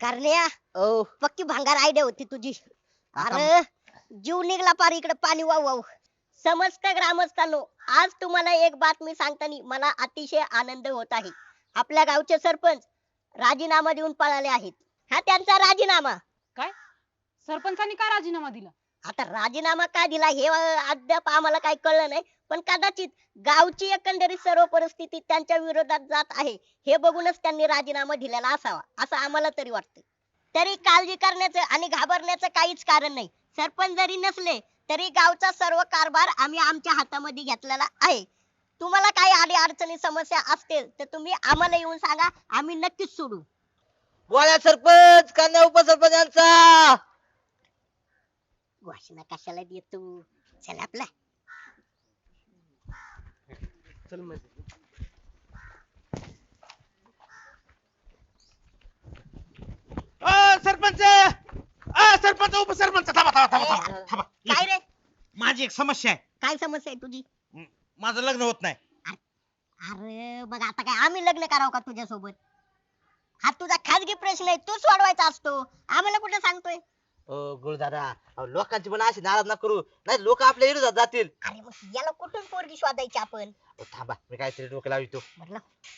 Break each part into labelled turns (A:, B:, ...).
A: करण्या
B: ओ
A: पक्की भांगार आयडिया होती तुझी.
B: आता
A: अरे जीव निघला पार इकडे पाणी वाहू वाहू. समस्त ग्रामस्थांनो, आज तुम्हाला एक बातमी सांगताना मला अतिशय आनंद होत आहे. आपल्या गावचे सरपंच राजीनामा देऊन पळाले आहेत. हा त्यांचा राजीनामा.
C: काय सरपंचानी का राजीनामा दिला?
A: आता राजीनामा का दिला हे अद्याप आम्हाला काही कळलं नाही, पण कदाचित गावची एकंदरीत सर्व परिस्थिती त्यांच्या विरोधात जात आहे हे बघूनच त्यांनी राजीनामा दिलेला असावा असं आम्हाला तरी वाटतं. तरी काळजी करण्याचं आणि घाबरण्याचं काहीच कारण नाही. सरपंच जरी नसले तरी गावचा सर्व कारभार आम्ही आमच्या हातामध्ये घेतलेला आहे. तुम्हाला काही आडी अडचणी समस्या असतील तर तुम्ही आम्हाला येऊन सांगा, आम्ही नक्कीच सोडू.
B: बोला सरपंच कन्या उपसरपंच यांचा.
A: घोषणा कशाला देतो, चल आपला.
B: चल मग.
D: सरपंच सरपंच उपसरपंच थांबा थांबा थांबा थांबा थांबा.
A: काय रे,
D: माझी एक समस्या आहे.
A: काय समस्या आहे तुझी?
D: माझं लग्न होत नाही.
A: अरे बघ, आता काय आम्ही लग्न करावं का तुझ्या सोबत? हा तुझा खाजगी प्रश्न आहे, तू सोडवायचा असतो, आम्हाला कुठे सांगतोय?
B: गुरुदादा लोकांची पण अशी नाराज ना करू, नाही लोक आपल्या विरोधात जातील.
A: अरे मग याला कुठून पोरगी शोधायची आपण?
B: थांबा मी काहीतरी डोकं लावितो.
A: म्हटलं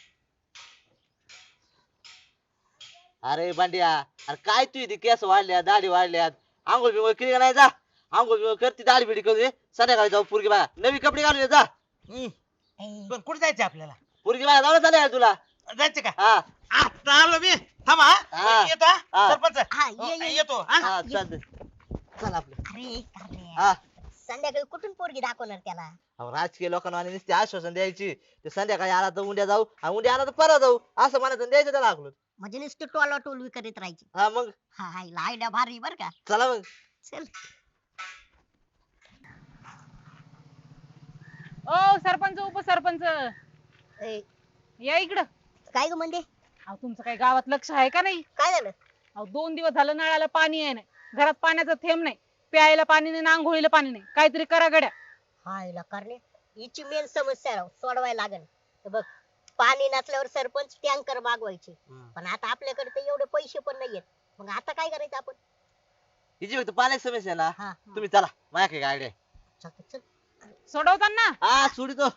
B: अरे बांडिया, अरे काय तू इथे केस वाढल्यात दाढी वाढल्यात, आंघोळ बिंघोळ केली का नाही? जा आंघोळ बिंघोळ करते, दाढी बिडी करू दे, संध्याकाळी जाऊ पोरगी बघा, नवी कपडे घालून ये, जा.
D: हम्म.
A: ए,
D: पण कुठे जायचं आपल्याला?
B: पोरगी बघा जाऊ चालेल तुला.
D: जायचं का?
B: हा
D: आता आलो मी. थांबा हा.
B: हा.
D: येतो हा.
B: हा.
D: सरपंच
A: हा,
D: हो,
A: ये.
D: येतो हा.
B: हा चालतंय. चल आपलं.
A: अरे
B: हा
A: संध्याकाळी कुठून पोरगी दाखवणार त्याला?
B: अहो, राजकीय लोकांना आणि नुसते आश्वासन द्यायची, ते संध्याकाळी आला तर उद्या जाऊ आणि उद्या आला तर परत जाऊ असं म्हणायचं आणि द्यायचं त्याला आखलं.
A: म्हणजे नुसतं टोला टोलवी करीत राहायची.
B: हा मग
A: हा आयडिया भारी बर का.
B: चला मग.
A: चल.
C: ओ सरपंच उपसरपंच,
A: ए,
C: या इकडं.
A: काय ग म्हणजे?
C: अहो तुमचं काही गावात लक्ष आहे का नाही?
A: काय झालं?
C: अहो 2 दिवस झालं नळाला पाणी आहे नाही, घरात पाण्याचा थेंब नाही, प्यायला पाणी नाही, आंघोळीला पाणी नाही. काहीतरी करा गड्या.
A: हायला करणे, हिची मेन समस्या राव सोडवायला लागेल. हे बघ, पाणी नसल्यावर सरपंच टँकर मागवायचे, पण आता आपल्याकडे तर एवढे पैसे पण नाहीयेत. मग आता काय करायचं आपण?
B: हिची फक्त पाण्याची समस्या आहे ना,
A: हा
B: तुम्ही चला माझ्याकडे काय आयडिया आहे.
A: चल.
C: सोडवताना
B: हा सोडितो.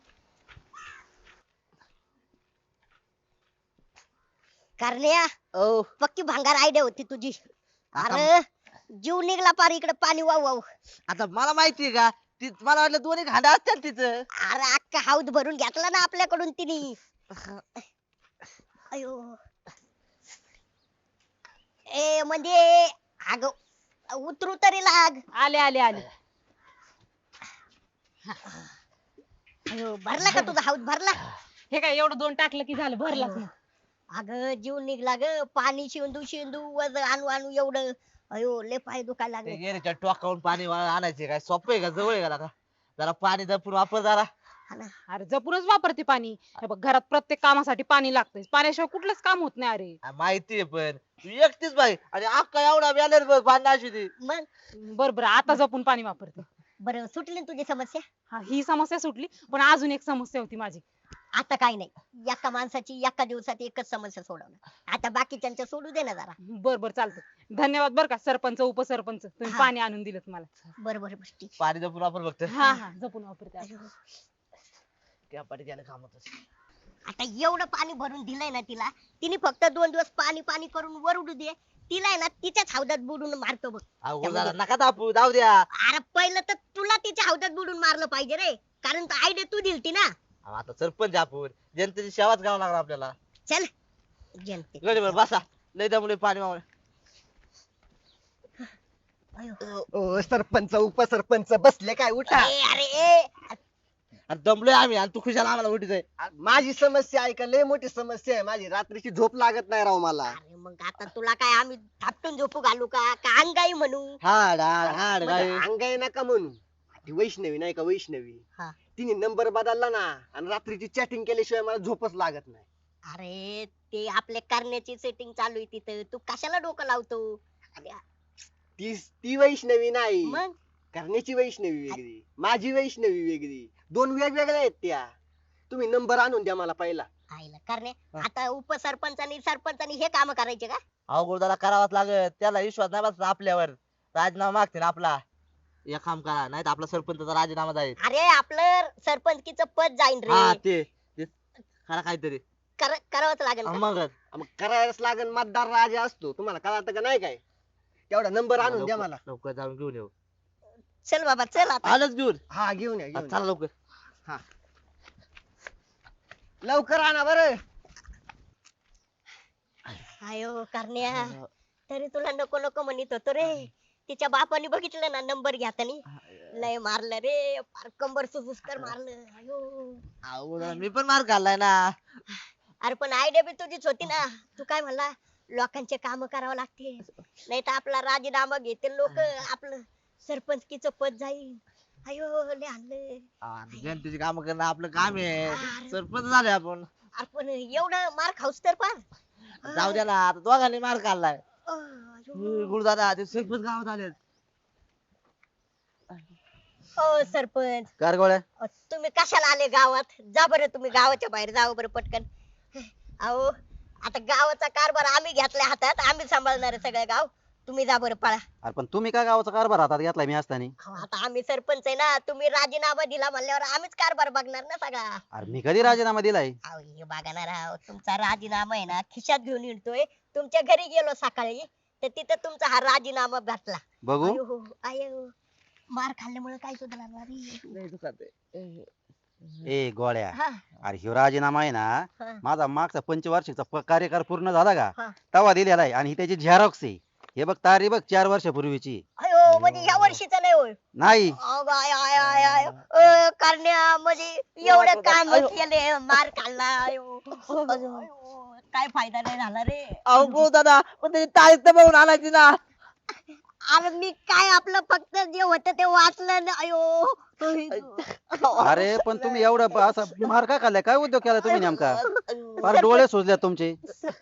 A: करण्या
B: ओ
A: पक्की भांगार आयडिया होती तुझी.
B: आता-
A: अरे जीव निघला पार इकडे पाणी वाहू वाहू.
B: आता मला माहितीये का, ती मला वाटलं दोन्ही खांदा असतात तिचं.
A: अरे अख्खा हौद भरून घेतला ना आपल्याकडून तिने. अयो ए म्हणजे अग उतरू तरी लाग.
C: आले आले आले.
A: अयो भरला का तुझा हौद भरला?
C: हे काय एवढं 2 टाकलं की झालं, भरलाच ना.
A: अगं जीव निघला ग, पाणी शिंदू शिंदू वज आणू आणू एवढं. अयो लय पाय दुखायला
B: ते
A: लागले.
B: गेरेच्या टोकावून पाणी आणायचे काय सोपं आहे का, जवळ आहे का? जरा पाणी जपून वापर जरा.
A: हा ना.
C: अरे जपूनच वापरते पाणी. हे बघ घरात प्रत्येक कामासाठी पाणी लागतंय, पाण्याशिवाय कुठलंच काम होत नाही. अरे
B: माहितीये पण तू एकटीच बाई आणि अख्खा एवढा बॅलर बघ बांधण्याची ती.
A: मग
C: बर बर, आता जपून पाणी वापरते.
A: बरं सुटली ना तुझी समस्या?
C: हा ही समस्या सुटली, पण अजून एक समस्या होती माझी.
A: आता काय नाही, एका माणसाची एका दिवसात एकच समस्या सोडवणार. आता बाकीच्यांच्या सोडू दे ना जरा.
C: बर बर चालतं. धन्यवाद बर का सरपंच उपसरपंच, तुम्ही
A: हा.
C: पाणी आणून दिलं मला.
A: बरं बरं ठीक.
B: पाणी जपून वापर फक्त.
C: हा हा जपून वापरते आता.
A: अयो,
B: त्या पाठी त्याला कामच.
A: आता एवढं पाणी भरून दिलंय ना तिला, तिने फक्त 2 दिवस पाणी पाणी करून वर उडू दे. तिला आहे ना तिच्याच हौदात बुडून मारतो बघ.
B: अवघड झाला, नका दापू, जाऊ द्या.
A: अरे पहिलं तर तुला तिच्या हौदात बुडून मारलं पाहिजे रे, कारण आयडिया तू दिलती ना.
B: अहो, आता सरपंच आपण जनतेची सेवाच करावं लागणार आपल्याला.
A: चल जनते.
B: गडीवर बसा, लय त्यामुळे पाणी मावळे.
A: अयो.
E: ओ सरपंच उपसरपंच बसले काय, उठा.
A: ए, अरे ए,
B: आणि दमलोय आम्ही आणि तू खुशाला आम्हाला उठीच.
E: माझी समस्या ऐका, लय मोठी समस्या आहे माझी. रात्रीची झोप लागत नाही राव मला.
A: अरे मग आता तुला काय आम्ही थापटून झोपू घालू का अंगाई म्हणू?
B: हाड हाड हाड गाय.
E: अंगाई नका म्हणू. ती वैष्णवी नाही का, वैष्णवी
A: हा.
E: तिने नंबर बदलला ना, आणि रात्रीची चॅटिंग केल्याशिवाय मला झोपच लागत नाही.
A: अरे ते आपल्या करण्याची सेटिंग चालू आहे तिथं, तू कशाला डोकं लावतो? अरे,
E: ती वैष्णवी नाही,
A: मग
E: करण्याची वैष्णवी वेगळी, माझी वैष्णवी वेगळी, 2 वेगवेगळ्या आहेत त्या. तुम्ही नंबर आणून द्या मला पहिला.
A: आईला करणे आता उपसरपंचानी सरपंचानी हे काम करायचे का?
B: अहो गुरुदादा करावाच लागत, त्याला विश्वास नाही बसला आपल्यावर, राजीनामा मागते ना आपला. एक काम करा, नाही तर आपला सरपंचचा राजीनामा जाईल.
A: अरे आपलं सरपंचकीचं पद जाईन
B: हा
A: रे.
B: ते करा काहीतरी.
A: करावंच लागेल का?
B: मग
E: मग करायलाच लागेल, मतदार राजा असतो, तुम्हाला कळतं का नाही काय? तेवढा नंबर आणून द्या मला.
B: लवकर जाऊन घेऊन येऊ.
A: चल बाबा चल आता.
B: आलंच घेऊन.
E: हा घेऊन या, घेऊन या.
B: चला लवकर.
E: लवकर आणा बरं.
A: आयो करण्या तरी तुला नको नको म्हणत होतो रे. तिच्या बापाने बघितलं ना नंबर घेतानी लय मारलं रे, फार कंबर सुजूस्कर मारलं. आयो
B: अहो गुरुदादा, मी पण मार खाल्लाय ना.
A: अरे पण आयडिया बी तुझीच होती ना. तू काय म्हणला लोकांचे काम करावं लागते, नाही तर आपला राजीनामा घेतील लोक, आपलं सरपंचकीचं पद जाईल. अयो लय आणलं.
B: जनतेची काम करणं आपलं काम आहे.
A: अरे.
B: सरपंच झाले आपण.
A: आपण एवढं मार खाऊस तर पार.
B: जाऊ द्या ना, आता दोघांनी मार खाल्लाय.
A: अयो.
B: गुरुदादा ते सरपंच गावात आले.
A: ओ सरपंच
B: कार गोळ्या.
A: तुम्ही कशाला आले गावात? जा बरं तुम्ही गावाच्या बाहेर जावं बरं पटकन. अहो आता गावाचा कारभार आम्ही घेतलाय हातात, आम्ही सांभाळणार आहे सगळं गाव. तुम्ही जा बरं पळा.
F: अरे पण तुम्ही काय गावाचा कारभार हातात घेतलाय मी असताना?
A: अहो, आता आम्ही सरपंच आहे ना, तुम्ही राजीनामा दिला म्हणल्यावर आम्हीच कारभार बघणार ना सगळा.
F: अरे मी कधी राजीनामा दिलाय?
A: अहो हे बघा ना राव, तुमचा राजीनामा आहे ना खिशात घेऊन येतोय. तुमच्या घरी गेलो सकाळी तर तिथं तुमचा हा राजीनामा भेटला.
F: बघू.
A: अयो अयो मार खाल्ल्यामुळे काय सुद्धा लागणार
F: ए गोळ्या,
A: हा
F: अरे ह्यो राजीनामा आहे ना,
A: हा.
F: माझा मागचा पंचवार्षिकचा कार्यकाळ पूर्ण झाला
A: हा.
F: का तवा दिलेला आहे, आणि ही त्याची झेरॉक्स आहे. हे बघ तारीख बघ 4 वर्षापूर्वीची.
A: अयो म्हणजे ह्या वर्षीचा नाही होय.
F: नाही
A: अगं, आय आय आय आय करण्या म्हणजे एवढं काम केले, मार खाल्ला. अयो, अयो, काय फायदा नाही झाला रे.
B: अहो गुरुदादा, पण त्याची तारीख तर बघून आणायची ना.
A: अरे मी काय आपलं फक्त जे होतं ते वाचलं ना. अयो
F: अरे पण तुम्ही एवढं असं मार का खाल्लाय? काय उद्योग केला तुम्ही नेमका? फार डोळे सुजले तुमचे.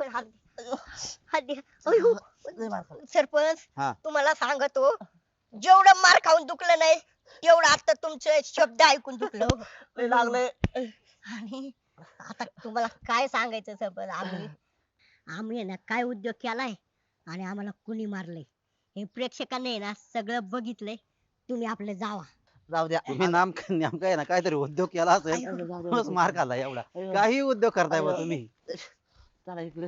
A: अयो सरपंच
F: हा.
A: तुम्हाला सांगतो, जेवढं मार खाऊन दुखलं नाही तेवढं आता तुमचे शब्द ऐकून दुखलं.
B: लय लागलंय.
A: आणि आता तुम्हाला काय सांगायचं सरपंच, आम्ही आहे ना काय उद्योग केलाय आणि आम्हाला कुणी मारलंय हे प्रेक्षकांनी आहे ना सगळं बघितलंय. तुम्ही आपलं जावा.
B: जाऊ द्या.
F: तुम्ही नेमका आहे ना काहीतरी उद्योग केला असेल म्हणूनच मार खाल्ला एवढा. काही उद्योग करताय बा तुम्ही.
B: चला इकडे.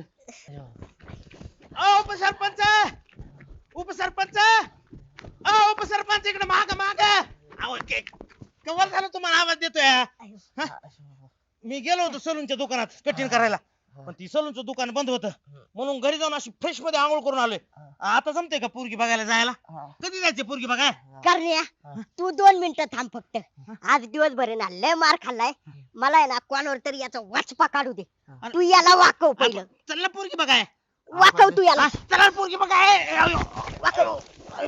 D: उपसरपंच उपसरपंच उपसरपंच इकडे माग माग. कवर झालं तुम्हाला आवाज देतोय. मी गेलो होतो सलूनच्या दुकानात कटिंग करायला, पण ती सलूनचं दुकान बंद होतं, म्हणून घरी जाऊन अशी फ्रेश मध्ये आंघोळ करून आलोय. आता जमते का पोरगी बघायला जायला? कधी जायचे पोरगी बघाय?
A: करण्या तू 2 मिनिटं थांब फक्त. आज दिवसभर आहे ना लय मार खाल्लाय, मला आहे ना कोणावर तरी याचा वाचपा काढू दे. तू याला वाकव पहिलं.
D: चल ना पोरगी बघाय.
A: वाकव तू याला.
D: चला पोरगी बघाय.
A: वाकव.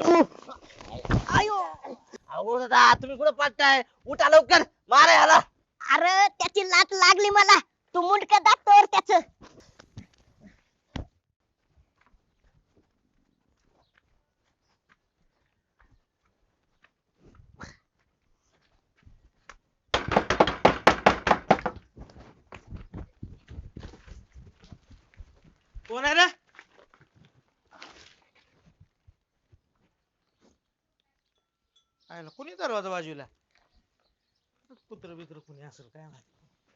A: अयो
B: अहो गुरुदादा, तुम्ही कुठं पाठताय? उठा लवकर, मारा याला.
A: अरे त्याची लात लागली मला. तू मुंडक दाखतोय त्याच.
D: कोण आहे रे? आयला कोणी दरवाजा बाजूला? कुत्र बित्र कोणी असेल काय माहिती.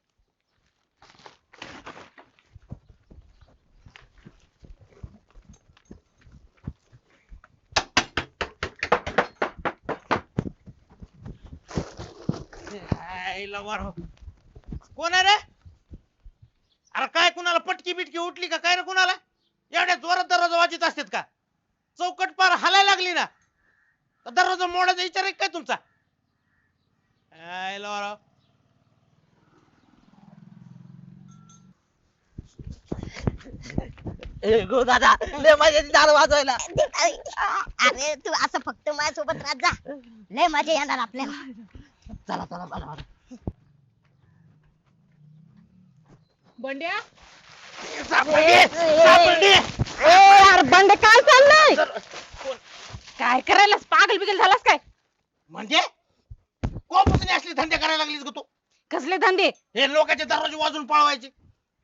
D: आयला वारो. कोण आहे रे? अरे काय कुणाला पटकी बिटकी उठली का काय रे? कुणाला एवढ्या जोरात दरवाजा वाजत असतात का? चौकट पार हलायला लागली ना, दरवाजा मोडायचा विचार आहे काय तुमचा? आयला वारो.
B: गुरुदादा, लय मजा येते दारू वाजवायला.
A: अरे तू असं फक्त माझ्यासोबत राहत जा, लय मजा येणार आपल्याला.
B: चला चला चला.
C: बंड्या
D: सापडली, सापडली.
C: अरे बंड काय चाललंय? काय करायला पागल बिगल झालास काय?
D: म्हणजे कोपासून असली धंदे करायला लागलीस ग तू?
C: कसले धंदे?
D: हे लोकांचे दरवाजे वाजून पळवायचे.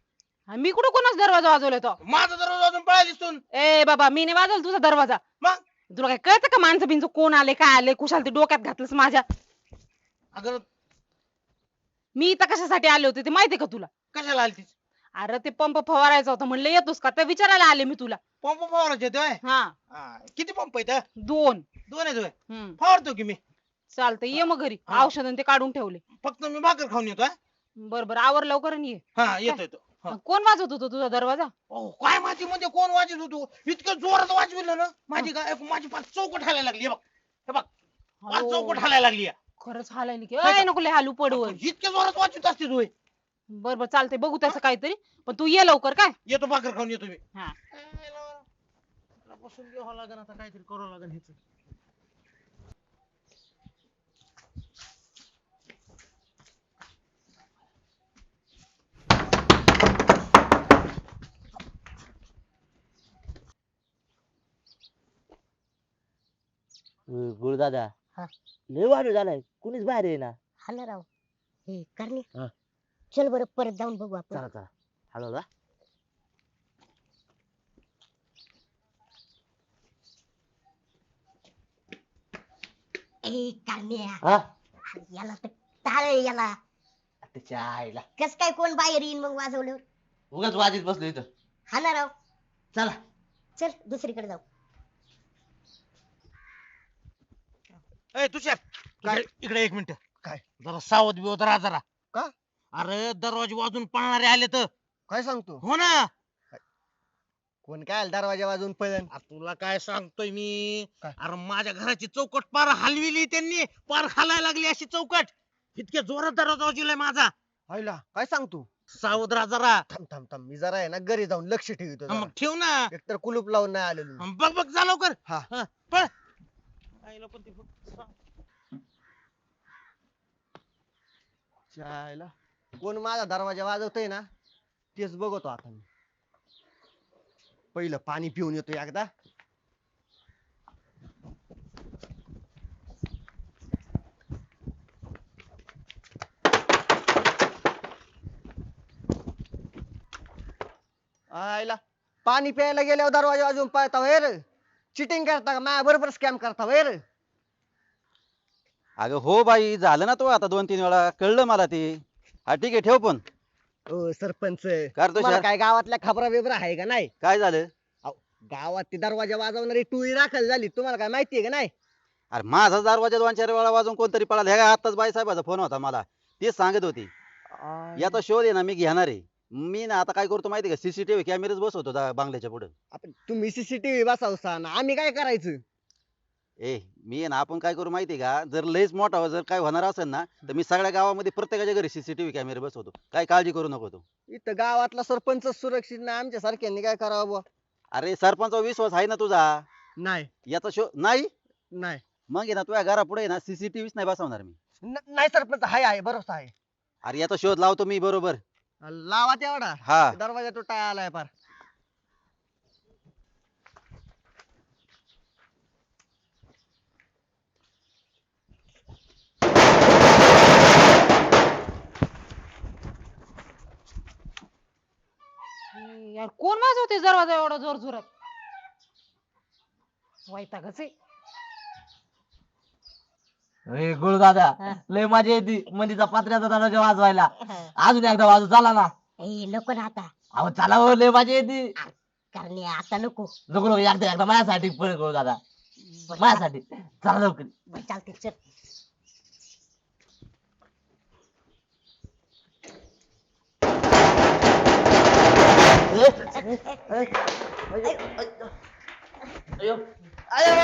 C: आणि मी कुठं कोणाच दरवाजा वाजवलाय तो?
D: माझा दरवाजा अजून पळायला दिसून.
C: ए बाबा मी नाही वाजवला तुझा दरवाजा.
D: मग
C: तुला काय कळतं का माणसं बिंच कोण आले काय आले कुशाल ते डोक्यात घातलंस माझ्या.
D: अगं
C: मी इथं कशासाठी आले होते ते माहितीये का तुला?
D: कशाला आली तीच?
C: अरे ते पंप फवारायचा होता म्हणलं येतोस का ते विचारायला आले मी तुला.
D: पंप फवारायचे होते.
C: हा
D: हा, किती पंप आहेत?
C: 2.
D: दोन आहेत होय.
C: हम्म
D: फवारतो की मी.
C: चालतंय ये मग घरी.
D: हा.
C: औषध ते काढून ठेवले.
D: फक्त मी भाकर खाऊन येतो. हा?
C: बरं आवर लवकर आणि ये.
D: हा येतो येतो. हा.
C: कोण वाजवत होतं तुझा दरवाजा?
D: अहो, काय माहिती म्हणजे कोण वाजत होतो इतकं जोरात वाजविलं ना माझी पाच चौकट हालायला लागली. हे बघ पाच
C: अहो,
D: चौकट हालायला लागली.
C: खरंच हालाय की ए नको लय हालू पडवल.
D: इतक्या जोरात वाजवित असते तू.
C: बरं चालतंय बघू त्याचं काहीतरी पण तू ये लवकर काय.
D: येतो भाकर खाऊन येतो मी.
C: हा
D: बसून घ्यावं लागेल आता काहीतरी करावं लागेल ह्याचं.
B: गुरुदादा
A: हा.
B: लय वाढू झालाय कुणीच बाहेर येईना.
A: हा ना राव. हे करणे
B: हा.
A: चल बरं परत जाऊन बघू आपण.
B: चला चला हॅलो दा
A: ए करण्या
B: हा
A: याला तर टाळ याला.
B: त्याच्या आईला
A: कस काय कोण बाहेर येईन मग वाजवलं.
B: उगाच वाजीत बसलो इथं.
A: हा ना राव.
B: चला
A: चल दुसरीकडे जाऊ.
D: ए तुषार
E: काय?
D: इकडे एक मिनिट.
E: काय?
D: जरा सावध बिवध राहा जरा.
E: का?
D: अरे दरवाजे वाजून पळणारे आले तर.
E: काय सांगतो?
D: हो ना.
E: कोण काय आलं दरवाजा वाजून पळण?
D: आ, तुला काय सांगतोय मी.
E: काय?
D: अरे माझ्या घराची चौकट पार हलविली त्यांनी. पार हलायला लागली अशी चौकट. इतक्या जोरात दरवाजा वाजवलाय माझा.
E: हायला काय सांगतो?
D: सावध राहा जरा.
E: थांब थांब थांब मी जरा आहे ना घरी जाऊन लक्ष ठेवतो
D: हा, मग ठेव ना.
E: एकतर कुलूप लावून नाही आलेलो मी.
D: बघ बघ जा लवकर.
E: हा.
D: पळ. आईला पण ती
E: चायला कोण माझा दरवाजा वाजवतोय ना तेच बघतो आता मी. पहिलं पाणी पिऊन येतो एकदा. आयला पाणी प्यायला गेल्यावर दरवाजा वाजवून पळता होय रे? चिटिंग करता का माझ्या बरोबर स्कॅम करता होय रे?
F: अगं हो बाई झालं ना तो आता 2-3 वेळा कळलं मला ते. हा ठीक आहे ठेव पण.
E: ओ सरपंच
F: करतो
E: तुम्हाला
F: शहर.
E: काय गावातल्या खबरा बिबरा आहे का नाही?
F: काय झालं?
E: अहो, गावात ती दरवाजा वाजवणारी टोळी दाखल झाली तुम्हाला काय माहितीये का नाही?
F: अरे माझा दरवाजा 2-4 वेळा वाजून कोणतरी पळाला. हे काय आत्ताच बाई साहेबाचा फोन होता मला. तेच सांगत होती याचा शोध आहे ना मी घेणार आहे. मी ना आता काय करतो माहिती का सीसीटीव्ही कॅमेरेच बसवतो बांगल्याच्या पुढे.
E: आपण तुम्ही सीसीटीव्ही बसवसान आम्ही काय करायचं?
F: मी आहे ना आपण काय करू माहिती का जर लयच मोठा जर काय होणार असेल ना तर मी सगळ्या गावामध्ये प्रत्येकाच्या घरी सीसीटीव्ही कॅमेरे बसवतो. काय काळजी करू नको तू.
E: इथं गावातला सरपंच सुरक्षित नाही आमच्या सारख्यांनी काय करावं बुवा?
F: अरे सरपंचा विश्वास आहे ना तुझा.
E: नाही
F: याचा शोध नाही
E: नाही
F: मग आहे ना तुझ्या घरापुढे ना सीसीटीव्हीच नाही बसवणार मी.
E: नाही सरपंच आहे भरोसा आहे.
F: अरे याचा शोध लावतो मी बरोबर.
E: लावा तेवढा.
F: हा
E: दरवाजा तुटाय आलाय पार.
C: यार कोण वाजवते दरवाजा एवढा जोर जोरात? वैतागच आहे.
B: गुरुदादा लय मजा येते मंदीचा पत्र्याचा दरवाजा वाजवायला. अजून एकदा वाजू चला ना.
A: ए नको ना आता.
B: अहो चला हो लय मजा येते.
A: करण्या आता नको.
B: नको नको एकदा माझ्यासाठी पण गुरुदादा माझ्यासाठी चला लवकर.
A: बरं, चालते चल.
B: अयो अयो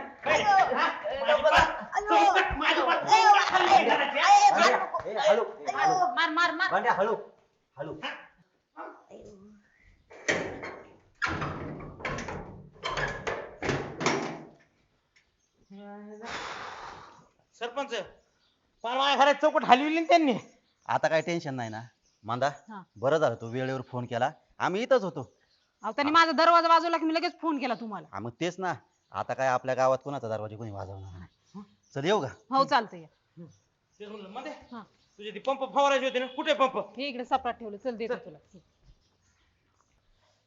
C: मार मार मार.
B: हळू हळू.
D: सरपंच पार माझ्या घरात चौकट हलविली ना त्यांनी.
F: आता काय टेन्शन नाही ना मांदा.
C: हा.
F: बरं झालं तू वेळेवर फोन केला. आम्ही इथंच होतो.
C: अहो त्यांनी माझा दरवाजा वाजवला की मी लगेच फोन केला तुम्हाला.
F: मग तेच ना आता काय आपल्या गावात कोणाचा दरवाजा कोणी वाजवणार नाही. चल येऊ का?
C: हो चालतंय.
D: तेच म्हणलं मध्ये
C: हा
D: तुझे ते पंप फवारायचे होते ना कुठे पंप?
C: हे इकडे सपाट ठेवलं चल देतो तुला.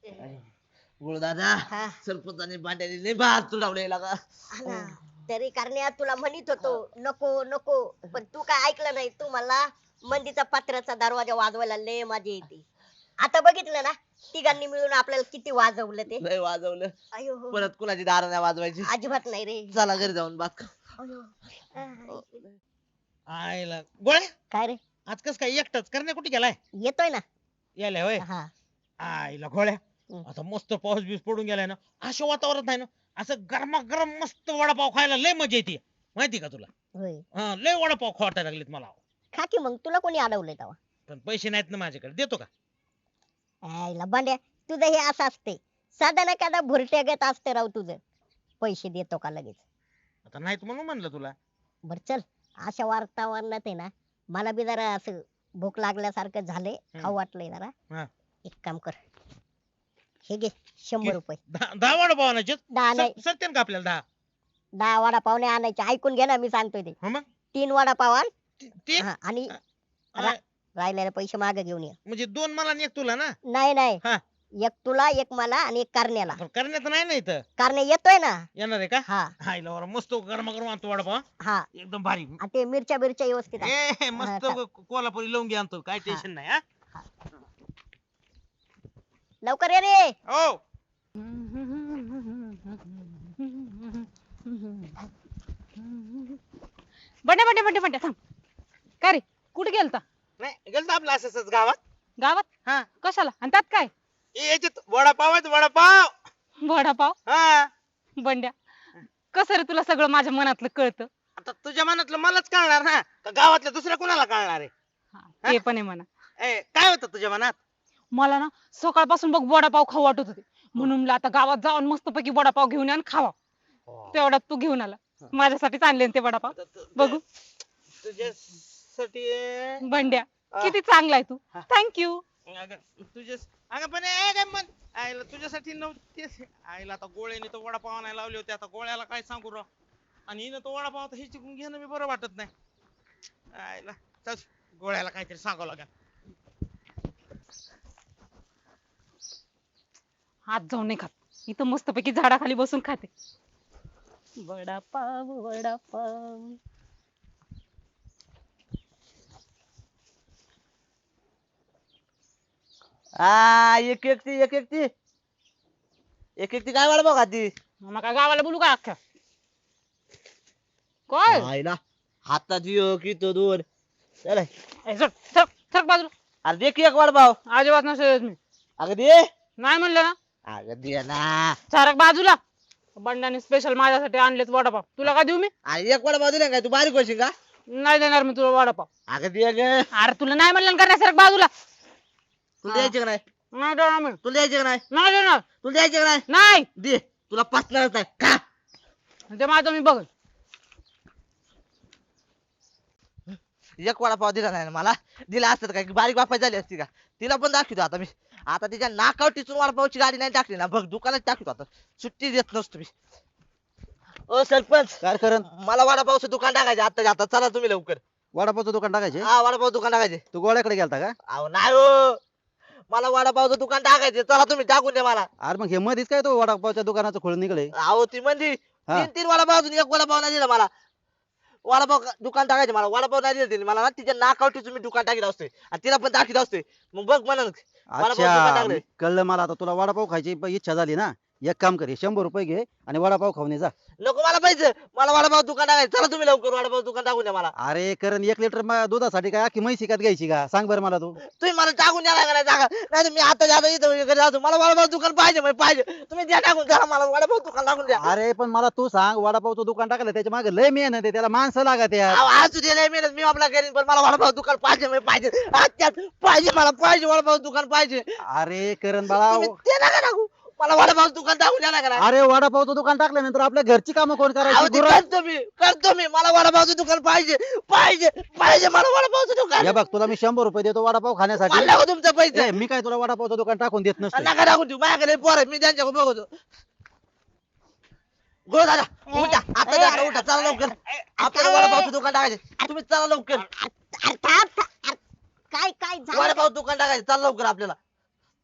B: गुरुदादा
A: हा.
B: सरपंचाने भांड्याने लय बाहेर तुडवले का
A: हा ना. तरी करण्या तुला म्हणत होतो नको नको, पण तू काय ऐकलं नाही. तू मला मंदीचा पत्र्याचा दरवाजा वाजवायला लय मजा येते. आता बघितलं ना तिघांनी मिळून आपल्याला किती वाजवलं ते.
B: लय वाजवलं.
A: अयो हो.
B: परत कुणाची दार नाही वाजवायची.
A: अजिबात नाही रे.
B: चला घरी जाऊन बात करू.
A: अयो.
D: आयला गोळ्या
A: काय रे
D: आज कस काय एकटाच करण्या कुठे गेलाय
A: येतोय ना.
D: यायला होय
A: हा
D: आईला गोळ्या
A: हम्म.
D: आता मस्त पाऊस बीस पडून गेलाय ना असं वातावरण आहे ना असं गरमागरम मस्त वडापाव खायला लय मजा येते माहिती का तुला
A: होय.
D: हा लय वडापाव खावायला लागलेत मला
A: खा की मग, तुला कोणी अडवलंय तेव्हा.
D: पण पैसे नाहीत ना माझ्याकडे देतो का
A: आईला बांड्या तुझं हे असं असते. साधा ना कादा भुरट्यागत असते राव तुझं. पैसे देतो का लगेच.
D: आता नाहीत म्हणून म्हणलं तुला
A: बर चल, अशा वातावरणात आहे ना मला बी जरा असं भूक लागल्यासारखं झालंय. खाऊ वाटलंय
D: हा.
A: जरा. एक काम कर, हे घे 100 रुपये.
D: दहा वडापाव आणायचे
A: दहा नाही,
D: सत्यान का आपल्याला
A: 10 वडापाव नाही आणायचे. ऐकून घे ना मी सांगतोय ते.
D: मग
A: 3 वडापाव आण.
D: ते
A: हा, आणि
D: आ,
A: राहिलेले पैसे मागे घेऊन ये.
D: म्हणजे 2 मला आणि 1 तुला ना
A: नाही नाही,
D: हा.
A: एक तुला एक मला आणि एक करण्याला.
D: पण करण्यात नाही ना इथं
A: करण्या येतोय ना.
D: येणार आहे का
A: हा
D: हायला बरं मस्त गरमागरम आणतो वडापाव
A: हा.
D: एकदम भारी
A: आणि ते मिरच्या बिरच्या व्यवस्थित आण.
D: ए मस्त
A: हा,
D: कोल्हापुरी लवंगी आणतो काय टेन्शन नाही हा
A: लवकर ये रे.
D: हो
C: बंड्या बंड्या बंड्या बंड्या थांब. काय रे कुठे गेलता?
D: नाही गेलतो आपलं असंच गावात
C: गावात?
D: हा
C: कशाला? आणि त्यात काय?
D: याच्यात वडापाव आहेत वडापाव
C: वडापाव?
D: हा
C: बंड्या कसं रे तुला सगळं माझ्या मनातलं कळतं?
D: आता तुझ्या मनातलं मलाच कळणार ना का गावातल्या दुसऱ्या कुणाला कळणार आहे
C: हा, ते पण आहे म्हणा.
D: ए, काय होतं तुझ्या मनात
C: मला ना सकाळपासून बघ वडापाव खाऊ वाटत होते, म्हणून म्हणलं आता गावात जाऊन मस्तपैकी वडापाव घेऊन या आणि खावा. तेवढ्यात तू घेऊन आला. माझ्यासाठीच आणले ना ते वडापाव. बघू
D: तुझ्यासाठी
C: बंड्या
D: आ.
C: किती चांगला आहे तू.
D: हा.
C: थँक्यू.
D: तुझ्या अगं पण ए, काय म्हण आईला तुझ्यासाठी नव्हते आईला आता गोळ्याने तो वडापाव आणायला लावले होते आता गोळ्याला काय सांगू राव आणि हिनं तो वडापाव आता हिची घेणं मी बरं वाटत नाही आईला चल गोळ्याला काहीतरी सांगावं लागेल
C: हात जाऊन नाही खात, इथं मस्तपैकी झाडाखाली बसून खाते. वडापाव वडापाव.
B: एक एकटी काय वडापाव खाती
C: मग काय गावाला बोलू का अख्ख्या? काय
B: आईला हातात एक इथं 2 चल
C: ए, सर सर सर बाजूला.
B: अरे दे की एक वडापाव
C: अजिबात नसेल मी
B: अगं दे
C: नाही म्हणलं ना.
B: अगं दे ना
C: सारक बाजूला. बंडाने स्पेशल माझ्यासाठी आणलेत वडापाव. तुला काय देऊ मी?
B: अरे एक वडापाव दिला काय तू बारीक होशील का
C: नाही देणार मी तुला वडापाव.
B: अगं दे ग
C: अरे तुला नाही म्हणलं करण्या सारक बाजूला.
B: तुला द्यायचे का नाही
C: नाही देणार मी.
B: तुला द्यायचे का नाही
C: नाही देणार.
B: तुला द्यायचे का नाही
C: नाही
B: दे तुला पचणारच नाही का
C: ते माझं मी बघ.
B: एक वडापाव दिला नाही ना मला दिला असत काय बारीक बापाय झाली असती का तिला पण दाखवतो आता मी आता तिच्या नाकावर टिचून वडापावची गाडी नाही टाकली ना बघ दुकानात टाकतो आता सुट्टी देत नसतो मी ओ सरपंच
F: काय करण
B: मला वडापावचं दुकान टाकायचे आता आता चला तुम्ही लवकर
F: वडापावचं दुकान टाकायचे?
B: हा वडापाव दुकान टाकायचे
F: तू गोळ्याकडे गेलता का?
B: अहो नाही हो मला वडापावचं दुकान टाकायचे चला तुम्ही टाकून द्या मला
F: अरे मग हे मध्येच काय तो वडापावच्या दुकानाचं खोळ निघले?
B: अहो ती म्हणजे
F: हा.
B: 3 वडापाव अजून एक वडापाव नाही दिला मला वडापाव दुकान टाकायचे मला वडापाव नाही दिला तिने मला ना तिच्या नाकावर टिचून मी दुकान टाकीत असतोय आणि तिला पण दाखवत असतोय मग बघ म्हणून वडापाव दुकान
F: अच्छा
B: टाकलंय
F: कळलं मला. आता तुला वडापाव खायची इच्छा झाली ना, एक काम कर, 100 रुपये घे आणि वडापाव खाऊन ये जा.
B: नको मला पाहिजे मला वडापाव दुकान टाकायचं चला तुम्ही लवकर वडापाव दुकान टाकून द्या मला
F: अरे करण 1 लिटर दुधासाठी काय अख्खी म्हैस विकत घ्यायची का? सांग बरं मला तू.
B: तुम्ही मला टाकून द्या लागला जागा नाही मी आता जातो इथं घरी जातो मला वडापाव दुकान पाहिजे म्हणजे पाहिजे तुम्ही द्या टाकून चला मला वडापाव दुकान टाकून द्या
F: अरे पण मला तू सांग, वडापावचं दुकान टाकलं त्याच्या मागे लय मेहनत आहे, त्याला माणसं लागत यार.
B: अहो, असू दे लय मेहनत मी आपला करीन पण मला वडापाव दुकान पाहिजे म्हणजे पाहिजे आजच्याच पाहिजे मला पाहिजे वडापाव दुकान पाहिजे
F: अरे करण बाळा,
B: तुम्ही ते नका टाकू मला वडापाव दुकान टाकून द्या ना
F: अरे वडापावचं दुकान टाकल्यानंतर आपल्या घरची कामं कोण करायची?
B: करतो मी मला वडापावचं दुकान पाहिजे पाहिजे पाहिजे मला वडापावचं दुकान
F: हे बघ तुला मी 100 रुपये देतो वडापाव खाण्यासाठी.
B: मला नको तुमचं पैसे
F: ए, मी काय तुला वडापावचं दुकान टाकून देत नसतो.
B: नका टाकून देऊ माझ्याकडे पोर आहे मी त्यांच्याकडे बघतो गोळ दादा उठा आता दादा उठा चला लवकर आपल्याला वडापावचं दुकान टाकायचे तुम्ही चला लवकर
A: अरे थांब, थांब. अरे काय काय झालं?
B: वडापाव दुकान टाकायचे चला लवकर आपल्याला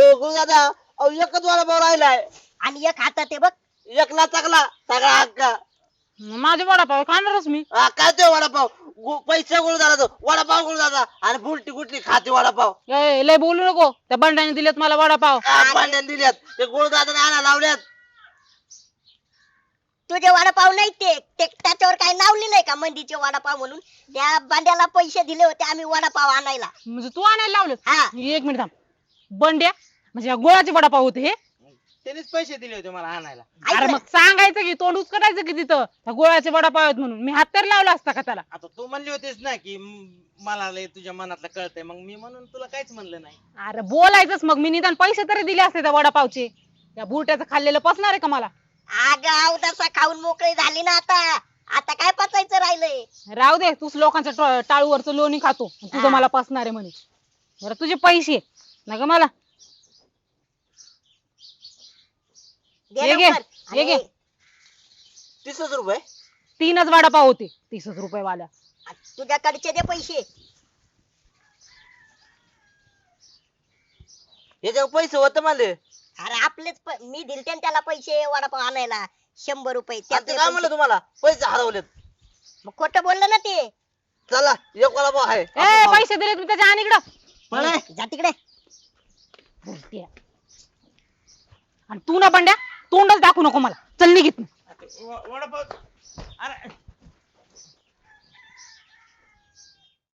B: गुरुदादा अहो एकच वडापाव राहिलाय.
A: आणि एक हातात आहे बघ.
B: एकला चांगला सगळा हक्का.
C: माझे वडापाव खाणारच मी.
B: काय ते वडापाव पैसे गुरुदादा वडापाव गुरुदादा आणि बुलटी कुठली खाते वडापाव.
C: लय बोलू नको, त्या बंड्याने दिलेत मला वडापाव.
B: पांड्याने दिल्यात ते गुरुदादा आणा लावल्यात.
A: तुझे वडापाव नाही ते त्याच्यावर काय नाव लिहिलंय का मंदीचे वडापाव म्हणून? त्या बांड्याला पैसे दिले होते आम्ही वडापाव आणायला.
C: म्हणजे तू आणायला लावलं?
A: हा.
C: एक मिनिट थांब. बंड्या म्हणजे या गोळाचे वडापाव होते हे?
D: त्यांनीच पैसे दिले होते मला आणायला.
C: अरे मग सांगायचं की, तोंड उचकटायचं की तिथं त्या गोळ्याचे वडापाव आहेत म्हणून. मी हात तर लावला असता का त्याला?
D: आता तू म्हणली होतीस ना की मला लय तुझ्या मनातलं कळतंय, मग मी म्हणून तुला काहीच म्हणलं नाही.
C: अरे बोलायचंच मग, मी निदान पैसे तरी दिले असते त्या वडापावचे. त्या बुरट्याचं खाल्लेलं पचणार आहे का मला?
A: आगाव तसा खाऊन मोकळी झाली ना आता. आता काय पचायचं राहिलंय?
C: राहू दे, तूच लोकांच्या टाळूवरचं लोणी खातो, तुझं मला पचणार आहे म्हणे. बरं तुझे पैसे ना ग मला
A: दे
C: हे घे,
A: लवकर.
C: हे घे.
A: आणि
B: 30 रुपये.
C: 3च वडापाव होते 30 रुपये वाल्या.
A: तुझ्याकडचे दे पैसे.
B: याच्यावर पैसे होते मला.
A: अरे आपलेच मी दिलते ना त्याला पैसे वडापाव आणायला 100 रुपये.
B: आणि ते
A: त्यातले
B: काय म्हणलं
A: पैसे.
B: तुम्हाला पैसे हरवलेत.
A: मग खोटं बोललं ना ते.
B: चला एक वडापाव आहे.
C: ए पैसे दिले तुम्ही त्याच्या आणि इकडं.
A: जा तिकडे.
C: बुरट्या. आणि तू ना बंड्या तोंडच दाखवू नको मला. चल निघित.
D: वडापाव अरे